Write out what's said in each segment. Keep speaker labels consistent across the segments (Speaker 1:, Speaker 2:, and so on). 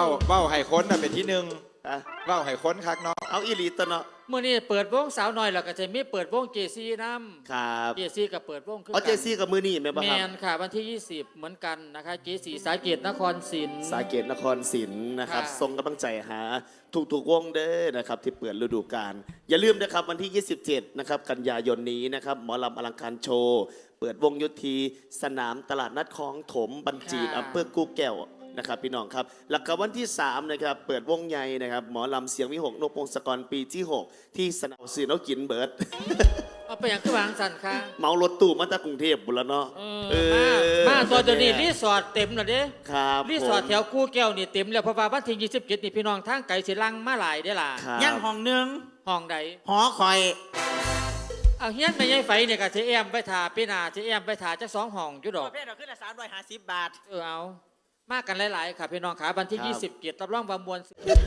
Speaker 1: ว้าไห่ค้นน่ะเป็นที่หนึ่ง
Speaker 2: อะ
Speaker 1: ว้าไห่ค้นคักเนาะ
Speaker 2: เอาอีหลีตะเนาะ
Speaker 3: เมื่อนี้เปิดวงสาวน้อยแล้วก็จะมีเปิดวงเจซีน้
Speaker 2: ครับ
Speaker 3: ำเจซีกับเปิดวงคือ
Speaker 2: เอาเจซี่กับมือนี่แม่นบ่
Speaker 3: แม
Speaker 2: ครับ
Speaker 3: นค่ะวันที่ 20 เหมือนกันนะคะเจซีสาเกตนครศรี
Speaker 2: สาเกตนครศรีนะครับ
Speaker 3: ค่ะ
Speaker 2: ส่งกำลังใจหาทุกวงเด้อนะครับที่เปิดฤดูกาลอย่าลืมนะครับวันที่ 27 นะครับกันยายนนี้นะครับหมอลำอลังการโชว์เปิดวงยุทธีสนามตลาดนัดคลองถมบัญจีดอำเภอกูแก้วนะครับพี่น้องครับแล้วก็วันที่3นะครับเปิดวงใหญ่นะครับหมอลำเสียงวิหกนกพงศกรปีที่ 6 ที่สนามสื่อเนากินเบิร์ด
Speaker 3: เอาไปอย่างคือวางสันค่ะ
Speaker 2: เมารถตู้มาจากกรุงเทพบุรเนาะ
Speaker 3: มาตัวเดียวนี้รีสอร์ทเต็มแล้วเด้
Speaker 2: ครับ
Speaker 3: รีสอร์ทแถวกู้แก้วนี่เต็มแล้วเพราะว่าวันที่27นี่พี่น้องทางไกลสิลังมาหลายได้อล่ะ
Speaker 2: ครับ
Speaker 4: ย่างห้องหนึ่ง
Speaker 3: ห้องใด
Speaker 4: หอคอย
Speaker 3: เอาเฮียนแม่ยายไฟเนี่ยก็สิแอมไปถ่าพี่นาสิแอมไปถ่าจัก2ห้องอยู่ดอก
Speaker 4: ประเภทเราขึ้นละ350 บาท
Speaker 3: เอามากันหลายๆค่ะพี่น้องขาวันที่27รับรองว่ามวล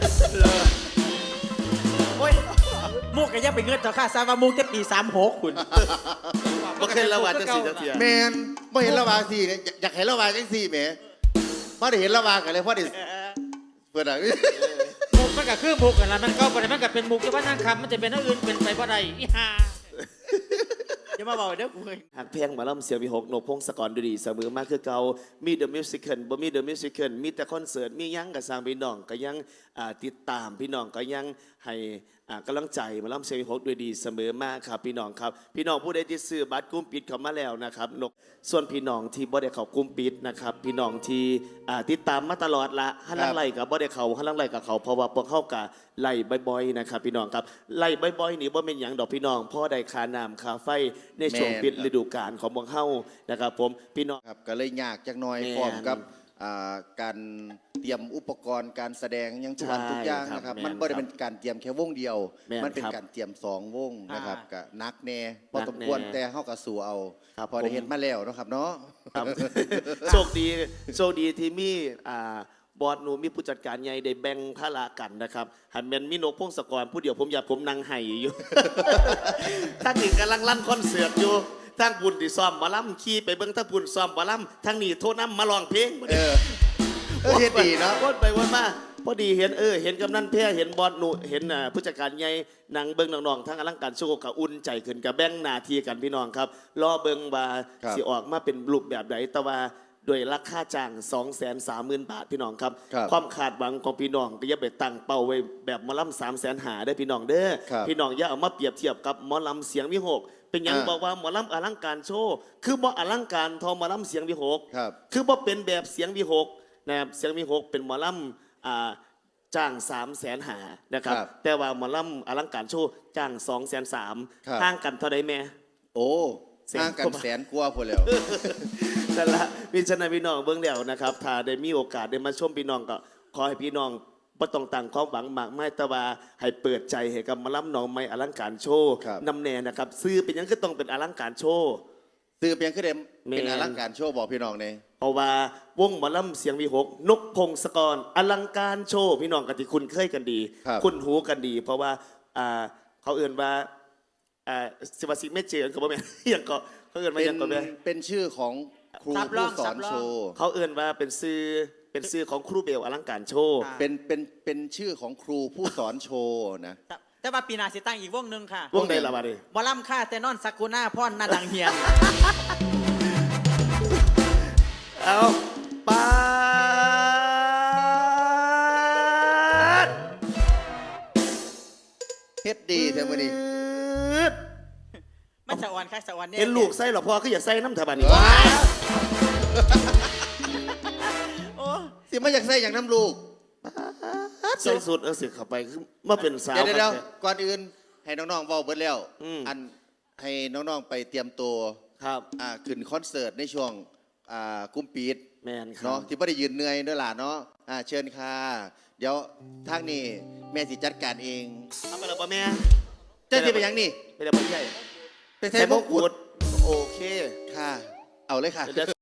Speaker 4: โอ้ยมุกก็ยังไปเงินต่อค่าซาว่ามุกจะปี36คุณ
Speaker 2: บ่เคยระบาดจังสี่จังเสีย
Speaker 5: แมนไม่เห็นระวางสี่เนี่ยอยากเห็นระวางจังสี่แหมพอได้เห็นระวางกันเลยพอได้เปิดอ่ะ
Speaker 3: มุกมันก็คือมุกกันละมันก็บ่ได้มันก็เป็นมุกที่ว่านั่งคำมันจะเป็นอันอื่นเป็นไปบ่ได้อีห่า
Speaker 4: จะมาบอกเด้อกูเฮ้ย
Speaker 2: หากเพลงหมาล่ำเสียงวิหกนกพงศกรดูดีเสมอมากคือเก่ามีเดอะมิวสิคบ่มีเดอะมิวสิคมีแต่คอนเสิร์ตมียังกับสร้างพี่น้องก็ยังติดตามพี่น้องก็ยังให้กำลังใจหมาล่ำเสียงวิหกด้วยดีเสมอมากครับพี่น้องครับพี่น้องผู้ใดที่ซื้อบัตรกลุ้มปิดเข้ามาแล้วนะครับนกส่วนพี่น้องที่บ่ได้เข้ากลุ้มปิดนะครับพี่น้องที่ติดตามมาตลอดละฮันลังไล่กับบ่ได้เข้าฮันลังไล่กับเขาเพราะว่าพวกเขากับไล่บ่อยๆนะครับพี่น้องครับไล่บ่อยๆนี่บ่เป็นหยังดอกพี่น้องพ่อได้ค่าน้ำค่าไฟในช่วงปิดฤดูกาลของพวกเฮานะครับผมพี่น้อง
Speaker 5: ครับก็เลยยากจักหน่อย
Speaker 2: แม่น
Speaker 5: พร้อมกับการเตรียมอุปกรณ์การแสดงอยังทุกวัน
Speaker 2: ใช่
Speaker 5: ทุกอย่าง
Speaker 2: ครับ
Speaker 5: นะครับ
Speaker 2: แม่น
Speaker 5: มันไม่ได้เป็นการเตรียมแค่วงเดียว
Speaker 2: แม่น
Speaker 5: มันเป็น
Speaker 2: ครับ
Speaker 5: การเตรียม2 วงนะครับก็นักแน่พอ
Speaker 2: นัก
Speaker 5: สมควร
Speaker 2: แน่
Speaker 5: แต่เฮาก็สู้เอา
Speaker 2: ครับ
Speaker 5: พอได้
Speaker 2: ผม
Speaker 5: เห็นมาแล้วเนาะครับเนาะ
Speaker 2: ครับ โชคดีที่มีบอร์ดหนูมีผู้จัดการใหญ่ได้แบ่งภาระกันนะครับหันแมนมีนกพงศกรผู้เดียวผมอยากผมนั่งไห้อยู่ ทั้งนี้กำลังลั่นคอนเสิร์ตอยู่ทั้งบุญที่ซ้อมหมาล่ำขี่ไปเบิ่งทั้งบุญซ้อมหมาล่ำทั้งนี้โทษน้ำมาลองเพลง
Speaker 5: เฮ็ดดีเนาะ
Speaker 2: วนไปวนมาพอดีเห็นเห็นกำนันแพ้เห็นบอสหนูเห็นผู้จัดการใหญ่นางเบิ้งน้องๆทั้งอลังการโชว์กับอุ่นใจขึ้นกับแบ่งหน้าที่กันพี่น้องครับรอเบิ้งว่า
Speaker 5: ครับ
Speaker 2: สิออกมาเป็นรูปแบบใดแต่ว่าด้วยราคาจ้าง 230,000 บาทพี่น้องครับ
Speaker 5: ครับ
Speaker 2: ความขาดหวังของพี่น้องก็อย่าไปตั้งเป้าไว้แบบหมอลำ300,000หาได้อพี่น้องเด้อ
Speaker 5: ครับ
Speaker 2: พี่น้องอย่าเอามาเปรียบเทียบกับหมอลำเสียงวิหกเป็นหยังบอกว่าหมอลำอลังการโชว์คือบ่อลังการเทอหมอลำเสียงวิหก
Speaker 5: ครับ
Speaker 2: คือบ่เป็นแบบเสียงวิหกนะครับเสียงวิหกเป็นหมอลำจ้าง300,000หานะครับ
Speaker 5: ครับ
Speaker 2: แต่ว่าหมอลำอลังการโชว์จ้าง230,000
Speaker 5: ครับ
Speaker 2: ห่างกันเท่าใดแม่
Speaker 5: โอ้
Speaker 2: แสน
Speaker 5: ห่างกัน
Speaker 2: กว่าบาท
Speaker 5: แสนกว่าพุ่นแล้ว
Speaker 2: นั่นละพี่ชนะพี่น้องเบื้องแล้วนะครับถ้าได้มีโอกาสได้มาชมพี่น้องก็ขอให้พี่น้องบ่ต้องตั้งความหวังมากมายแต่ว่าให้เปิดใจให้กับหมาลำหนองไม้อลังการโชว์
Speaker 5: ครับ
Speaker 2: นำแน่นะครับซื้อเป็นหยังก็ต้องเป็นอลังการโชว์
Speaker 5: ซื้อเพียงคือเดม
Speaker 2: แม่น
Speaker 5: เป็นอลังการโชว์บอกพี่น้องเนี่ย
Speaker 2: เพราะว่าวงหมอลำเสียงวีหกนกพงศกรอลังการโชว์พี่น้องกันที่คุณเคยกันดี
Speaker 5: ครับ
Speaker 2: คุณหูกันดี เพราะว่าเขาเอื่นว่าสิวาสิไม่เจอเขาบอกแม่ ยังก็เขาเอื่นว่า
Speaker 5: เป็
Speaker 2: ยังก็แม่
Speaker 5: เป็นชื่อของครู
Speaker 4: สับร่
Speaker 5: ผู้
Speaker 4: อง
Speaker 5: สอ
Speaker 4: สั
Speaker 5: น
Speaker 4: บร่อง
Speaker 5: โชว์
Speaker 2: เขาเอื่นว่าเป็นซื้อของครูเบลอลังการโชว์
Speaker 5: เป็นชื่อของครูผู้สอนโชว์นะ
Speaker 4: แต่ว่าปีหน้าสิตั้งอีกวงหนึ่งค่ะ
Speaker 2: วงใดละบาดนี้
Speaker 4: บอลำค่าแต่นอนสักกุน่าพ่อนนาดังเฮียน
Speaker 2: เอาปาด
Speaker 5: เฮ็ดดีแท้มื้อนี้
Speaker 4: มันสะออนค่ะสะออนเนี่ย
Speaker 2: เห็นลูกใส่หรอพ่อคืออย่าใส่น้ำถาบานี่
Speaker 4: โอ้
Speaker 5: สิมาอยากใส่อย่างน้ำลูก
Speaker 2: ใส่สุดเสียเข้าไปคือมาเป็นสาว
Speaker 5: เดี๋ยว
Speaker 2: ครับ
Speaker 5: ก่อนอื่นให้น้องๆเว้าเบิดแล้ว
Speaker 2: อืม
Speaker 5: อันให้น้องๆไปเตรียมตัว
Speaker 2: ครับ
Speaker 5: ขึ้นคอนเสิร์ตในช่วงกุมปีด
Speaker 2: แมนครั
Speaker 5: เนาะ
Speaker 2: บ
Speaker 5: ที่บ่ได้ยืนเหนื่อยด้วยล่ะเนาะเชิญค่ะ เดี๋ยวทางนี้แม่สิจัดการเอง
Speaker 2: เอาไปแล้วป่ะแม่
Speaker 5: เจ้าสิไปหยังนี่
Speaker 2: ไปแล้วป่ะใหญ่
Speaker 5: ไปใส่มงกุฎ
Speaker 2: โอเค
Speaker 5: ค่ะ เอาเลยค่ะ
Speaker 2: เดี๋ยว